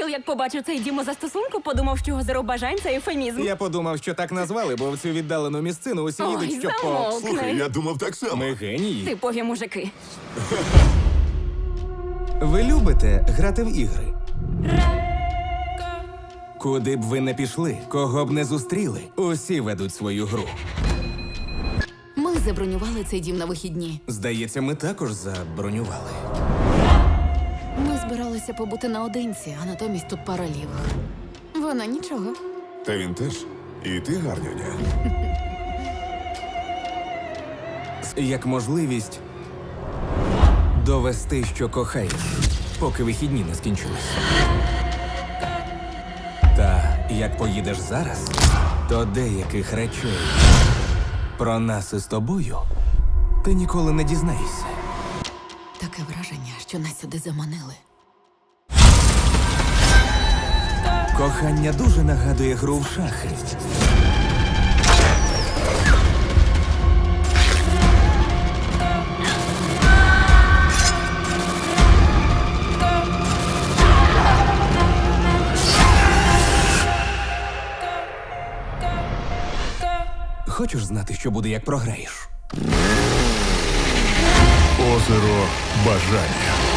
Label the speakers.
Speaker 1: Філ, як побачив цей дім у застосунку, подумав, що озеро бажань – це ефемізм.
Speaker 2: Я подумав, що так назвали, бо в цю віддалену місцину усі
Speaker 1: Ой,
Speaker 2: їдуть, щоб
Speaker 1: замовкни.
Speaker 3: Слухай, я думав так само.
Speaker 2: Ми генії.
Speaker 1: Типові мужики.
Speaker 2: Ви любите грати в ігри? Куди б ви не пішли, кого б не зустріли, усі ведуть свою гру.
Speaker 4: Ми забронювали цей дім на вихідні.
Speaker 2: Здається, ми також забронювали.
Speaker 4: Ми збиралися побути наодинці, а натомість тут пара лівих. Вона нічого.
Speaker 3: Та він теж. І ти гарнюня.
Speaker 2: Як можливість довести, що кохаєш, поки вихідні не скінчились. Та як поїдеш зараз, то деяких речей про нас із тобою ти ніколи не дізнаєшся.
Speaker 4: Таке враження, що нас сюди заманили.
Speaker 2: Кохання дуже нагадує гру в шахи. Хочеш знати, що буде, як програєш?
Speaker 5: Озеро бажання.